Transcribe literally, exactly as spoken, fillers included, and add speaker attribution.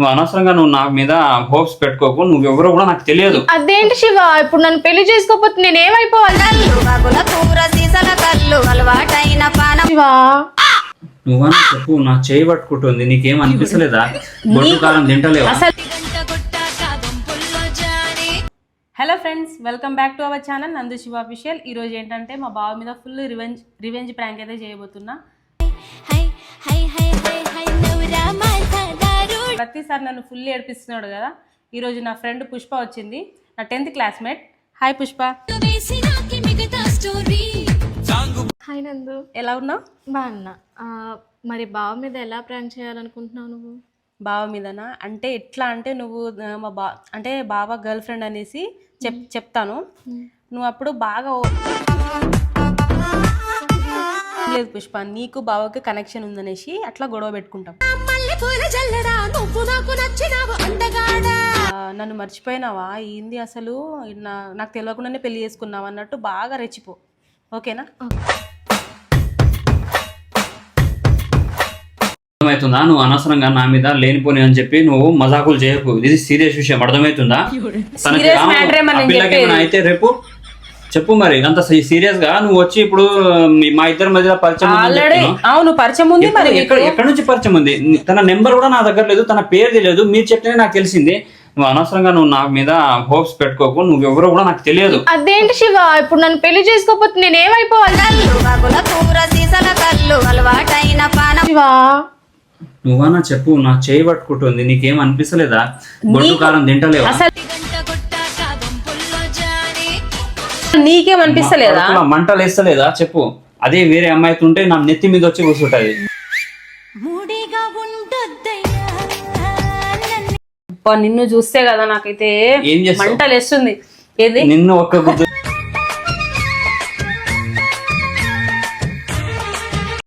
Speaker 1: నువ్వు అనవసరంగా నువ్వు నా మీద హోప్స్ పెట్టుకోకు. నువ్వు ఎవరో కూడా నాకు తెలియదు.
Speaker 2: అదేంటి శివ, ఇప్పుడు నన్ను పెళ్లి చేసుకోకపోతే నేనేమైపోవాలి? శివ
Speaker 1: నువ్వన్నా చెప్పు, నా చేయి పట్టుకుంటుంది, నీకేం అనిపిస్తలేదా? బొట్టు కారం తింటలేవా?
Speaker 3: Hello friends, welcome back to our channel Nandu Shiva official. ఈరోజు ఏంటంటే మా బావ మీద ఫుల్ రివెంజ్ రివెంజ్ ప్రాంక్ అయితే చేయబోతున్నా. ప్రతిసారి నన్ను ఫుల్ ఏడిపిస్తున్నాడు కదా. ఈరోజు నా ఫ్రెండ్ పుష్ప వచ్చింది, నా tenth classmate. Hi Pushpa.
Speaker 2: Hi Nandu,
Speaker 3: ఎలా ఉన్నావు?
Speaker 2: బాగున్నా. మరి బావ మీద ఎలా ప్రాంక్ చేయాలనుకుంటున్నావు నువ్వు?
Speaker 3: బావ మీదనా? అంటే ఎట్లా అంటే నువ్వు మా బా అంటే బావ గర్ల్ ఫ్రెండ్ అనేసి చెప్ చెప్తాను నువ్వు అప్పుడు బాగా లేదు పుష్ప, నీకు బావకి కనెక్షన్ ఉందనేసి అట్లా గొడవ పెట్టుకుంటాం. నన్ను మర్చిపోయినావా ఏంది అసలు, నాకు తెలియకుండానే పెళ్లి చేసుకున్నావు అన్నట్టు బాగా రెచ్చిపో, ఓకేనా?
Speaker 1: అర్థమవుతుందా? నువ్వు అనవసరంగా నా మీద లేనిపోని అని చెప్పి నువ్వు మజాకులు చేయకు. ఇది సీరియస్ విషయం, అర్థమవుతుందా? అయితే రేపు చెప్పు మరి. అంత సీరియస్ గా నువ్వు వచ్చి ఇప్పుడు మా ఇద్దరి మధ్య పరిచయం
Speaker 3: అవును పరిచయం ఉంది. మరి
Speaker 1: ఎక్కడి నుంచి పరిచయం ఉంది? తన నెంబర్ కూడా నా దగ్గర లేదు, తన పేరు తెలియదు. మీరు చెప్తేనే నాకు తెలిసింది. నువ్వు అనవసరంగా నువ్వు నా మీద హోప్స్ పెట్టుకోకు. నువ్వు ఎవరో కూడా నాకు తెలియదు.
Speaker 2: అదేంటి శివ, ఇప్పుడు నన్ను పెళ్లి చేసుకోకపోతే నేనేమైపోవాలి? శివ
Speaker 1: నువ్వన్నా చెప్పు, నా చేయి పట్టుకుంటుంది, నీకేం అనిపిస్తలేదా? బొట్టు కారం తింటలేవా?
Speaker 3: నీకేం అనిపిస్తలేదా?
Speaker 1: మంటలు వేస్తలేదా చెప్పు? అదే వేరే అమ్మాయితో ఉంటే నా నెత్తి మీద వచ్చి కూర్చుంటది.
Speaker 3: నిన్ను చూస్తే కదా నాకైతే మంటలు వేస్తుంది. ఏది
Speaker 1: నిన్ను ఒక్క గుద్దు